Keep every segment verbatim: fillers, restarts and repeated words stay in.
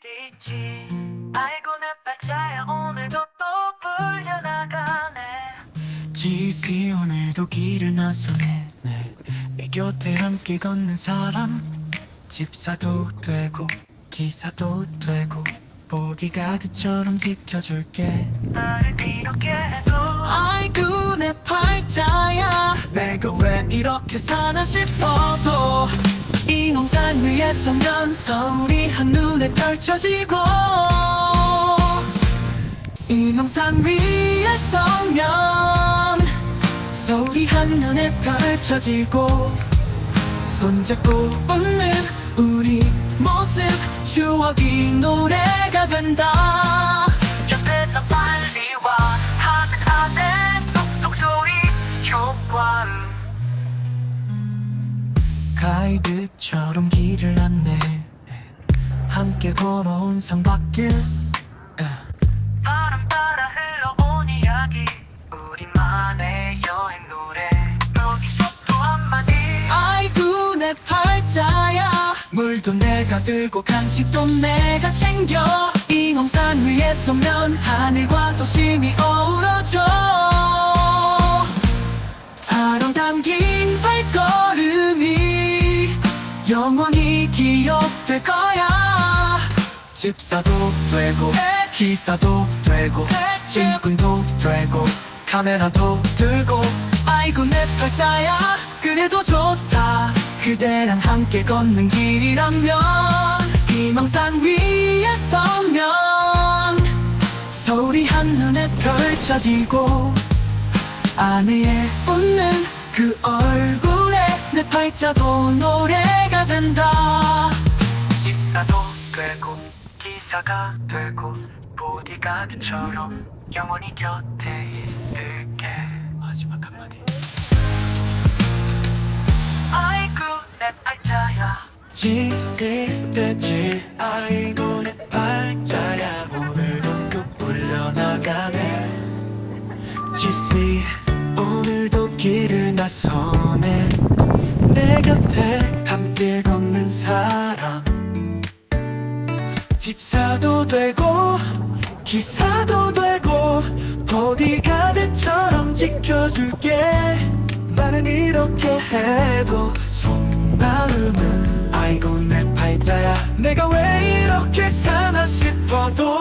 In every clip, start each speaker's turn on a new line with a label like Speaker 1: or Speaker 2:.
Speaker 1: 있지. 아이고 내 팔자야 오늘도 또 불려나가네.
Speaker 2: 지씨 오늘도 길을 나서네. 네. 내 곁에 함께 걷는 사람, 집사도 되고 기사도 되고 보디가드처럼 지켜줄게.
Speaker 1: 나를 이렇게 해도
Speaker 2: 아이고 내 팔자야, 내가 왜 이렇게 사나 싶어도 인홍산 위에 서면 서울이 한눈에 펼쳐지고, 인홍산 위에 서면 서울이 한눈에 펼쳐지고, 손잡고 웃는 우리 모습 추억이 노래가 된다.
Speaker 1: 옆에서 빨리 와 하는 안에 쏙쏙 소리 효과음.
Speaker 2: 가이드처럼 길을 안내, 함께 걸어온 산밖길.
Speaker 1: 바람 따라 흘러온 이야기, 우리만의 여행 노래. 여기서 또 한마디.
Speaker 2: 아이고 내 팔자야, 물도 내가 들고 간식도 내가 챙겨. 인홍산 위에 서면 하늘과 도심이 어우러져. 아름 담긴 발걸음이 영원히 기억될 거야. 집사도 되고 기사도 되고 짐꾼도 되고 카메라도 들고. 아이고 내 팔자야, 그래도 좋다. 그대랑 함께 걷는 길이라면, 희망산 위에 서면 서울이 한눈에 펼쳐지고, 아내의 웃는 그 얼굴에 내 팔자도 노래가 된다.
Speaker 1: 집사도 되고 기사가 되고 보디가드처럼 영원히 곁에 있을게.
Speaker 2: 마지막 한마디.
Speaker 1: 아이고 내 팔자야.
Speaker 2: 지씨 됐지. 아이고 내 팔자야, 오늘도 급 불려나가네. 지씨 오늘도 길을 나서네. 내 곁에 함께 걷는 사람, 집사도 되고 기사도 되고 보디가드처럼 지켜줄게. 나는 이렇게 해도 속마음은 아이고 내 팔자야, 내가 왜 이렇게 사나 싶어도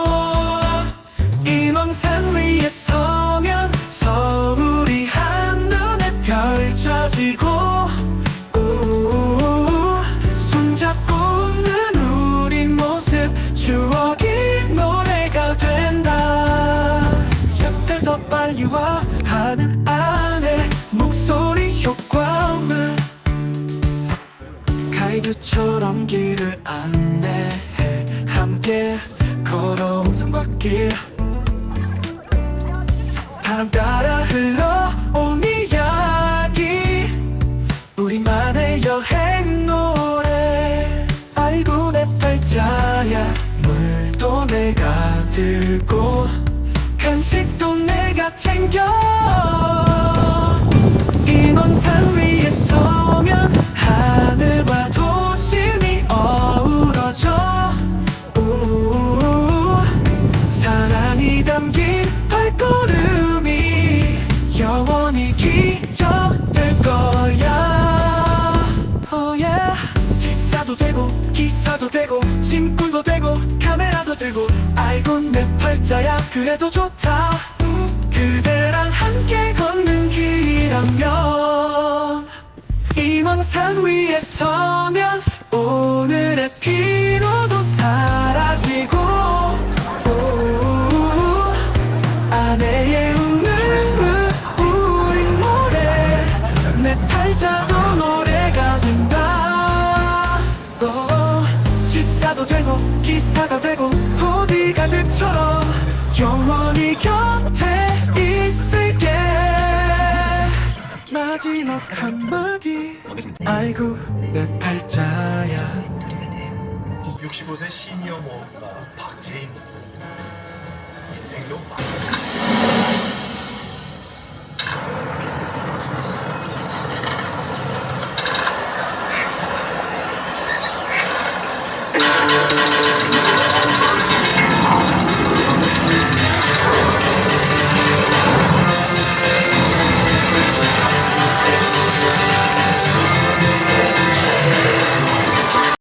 Speaker 2: 인왕산 위에 서면 서울이 한눈에 펼쳐지고, 우우우 손잡고 웃는 우리 모습 추억이 노래가 된다. 옆에서 빨리 와 하는 아내 목소리 효과음을, 가이드처럼 길을 안내해 함께 걸어온 산과길. 바람 따라 흘러온 이야기, 우리만의 여행 노래. 아이고 내 팔자야, 물도 내가 들고 간식도 내가 챙겨. 인왕산 위에 서면 하늘과 도심이 어우러져. 우우우 사랑이 담긴 발걸음이 영원히 기억될 거야. oh yeah. 집사도 되고 기사도 되고 짐꾼도 되고 카메라도 들고. 아이고 내 팔자야, 그래도 좋다. 그대랑 함께 걷는 길이라면, 인왕산 위에 서면 오늘의 피로도 사라지고, 오, 아내의 웃는 우리 노래, 내 팔자도 노래가 된다. 오, 집사도 되고 기사가 되고 보디가드처럼 영원히 곁에 있을게. 마지막 한마디. 아이고 내 팔자야.
Speaker 3: 육십오 세 시니어 모험가 박재인 인생도 막